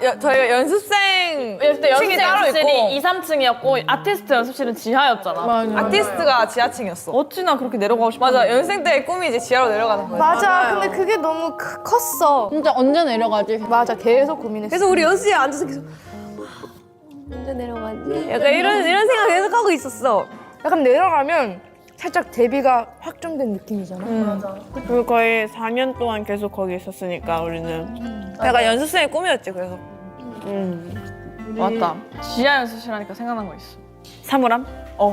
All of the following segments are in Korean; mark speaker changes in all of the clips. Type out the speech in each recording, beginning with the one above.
Speaker 1: 저희가 연습생
Speaker 2: 그때
Speaker 1: 층이 따로 있고
Speaker 2: 2, 3층이었고 아티스트 연습실은 지하였잖아.
Speaker 1: 아티스트가 지하층이었어.
Speaker 2: 어찌나 그렇게 내려가고 싶어.
Speaker 1: 맞아, 연습생 때의 꿈이 이제 지하로 내려가는 거야.
Speaker 3: 맞아. 근데 그게 너무 컸어.
Speaker 4: 진짜 언제 내려가지?
Speaker 3: 맞아. 계속 고민했어.
Speaker 5: 그래서 우리 연습실에 앉아서 계속 언제 내려가지? 약간 이런 생각 계속 하고 있었어.
Speaker 3: 약간 내려가면 살짝 데뷔가 확정된 느낌이잖아.
Speaker 6: 그리고 거의 4년 동안 계속 거기 있었으니까 우리는.
Speaker 1: 약간 연습생의 꿈이었지, 그래서.
Speaker 2: 맞다. 지하 연습실 하니까 생각난 거 있어.
Speaker 6: 사물함?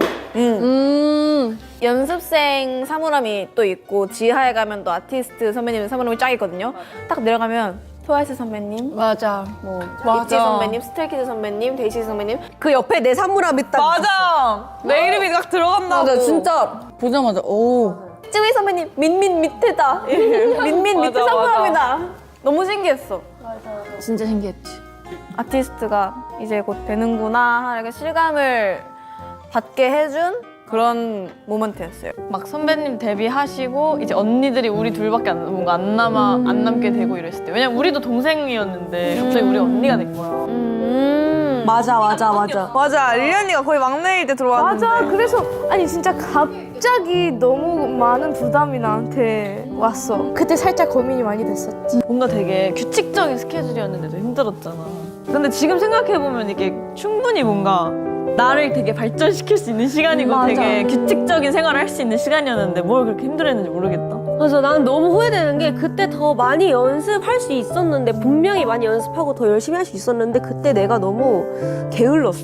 Speaker 5: 연습생 사물함이 또 있고 지하에 가면 또 아티스트 선배님 사물함이 쫙 있거든요. 딱 내려가면 트와이스 선배님,
Speaker 4: 맞아.
Speaker 5: 뭐
Speaker 1: 맞아.
Speaker 5: 있지 선배님, 스트레이키즈 선배님, 데이시 선배님 그 옆에 내 사물함이 딱
Speaker 1: 맞아! 내 이름이 딱 들어간다고.
Speaker 5: 맞아 진짜
Speaker 4: 보자마자 오.
Speaker 5: 쯔위 선배님 민민 밑에다 민민 밑에
Speaker 1: 맞아,
Speaker 5: 사물함이다. 너무 신기했어.
Speaker 4: 진짜 신기했지.
Speaker 5: 아티스트가 이제 곧 되는구나 하는 실감을 받게 해준 그런 모먼트였어요.
Speaker 2: 막 선배님 데뷔하시고 이제 언니들이 우리 둘밖에 뭔가 안 남게 되고 이랬을 때. 왜냐면 우리도 동생이었는데 갑자기 우리 언니가 된 거야.
Speaker 5: 맞아.
Speaker 1: 맞아, 릴리 언니가 거의 막내일 때 들어왔는데.
Speaker 3: 맞아. 그래서 아니 진짜 갑자기 너무 많은 부담이 나한테 왔어. 그때 살짝 고민이 많이 됐었지.
Speaker 2: 뭔가 되게 규칙적인 스케줄이었는데도 힘들었잖아. 근데 지금 생각해보면 이게 충분히 뭔가 나를 되게 발전시킬 수 있는 시간이고 되게 규칙적인 생활을 할 수 있는 시간이었는데 뭘 그렇게 힘들어했는지 모르겠다.
Speaker 7: 맞아, 나는 너무 후회되는 게 그때 더 많이 연습할 수 있었는데 분명히 많이 연습하고 더 열심히 할 수 있었는데 그때 내가 너무 게을렀어.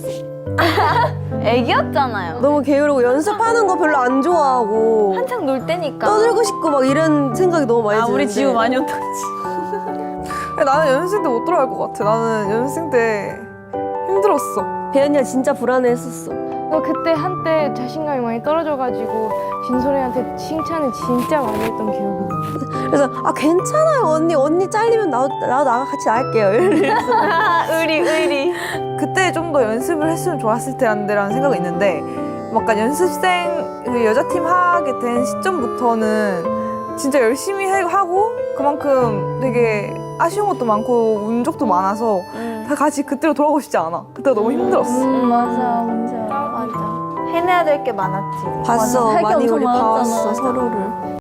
Speaker 5: 애기였잖아요.
Speaker 7: 너무 게으르고 연습하는 거 별로 안 좋아하고
Speaker 5: 한창 놀 때니까.
Speaker 7: 떠들고 싶고 막 이런 생각이 너무 많이
Speaker 2: 아,
Speaker 7: 드는데
Speaker 2: 우리 지우 많이 어떡하지?
Speaker 1: 나는 연습생 때 못 들어갈 것 같아. 나는 연습생 때 힘들었어.
Speaker 7: 배현이가 진짜 불안해했었어.
Speaker 3: 너 그때 한때 자신감이 많이 떨어져가지고 진솔이한테 칭찬을 진짜 많이 했던 기억이 나.
Speaker 7: 그래서 아 괜찮아요 언니 잘리면 나도 같이 나갈게요. 이러면서.
Speaker 5: 의리.
Speaker 1: 그때 좀 더 연습을 했으면 좋았을 텐데라는 생각이 있는데 약간 연습생 그 여자팀 하게 된 시점부터는 진짜 열심히 하고 그만큼 되게 아쉬운 것도 많고 운 적도 많아서 다 같이 그때로 돌아가고 싶지 않아. 그때가 너무 힘들었어.
Speaker 3: 맞아. 맞아.
Speaker 5: 해내야 될 게 많았지.
Speaker 7: 봤어
Speaker 4: 맞아.
Speaker 7: 많이
Speaker 4: 엄청
Speaker 7: 우리
Speaker 4: 많았잖아.
Speaker 7: 봐왔어 서로를.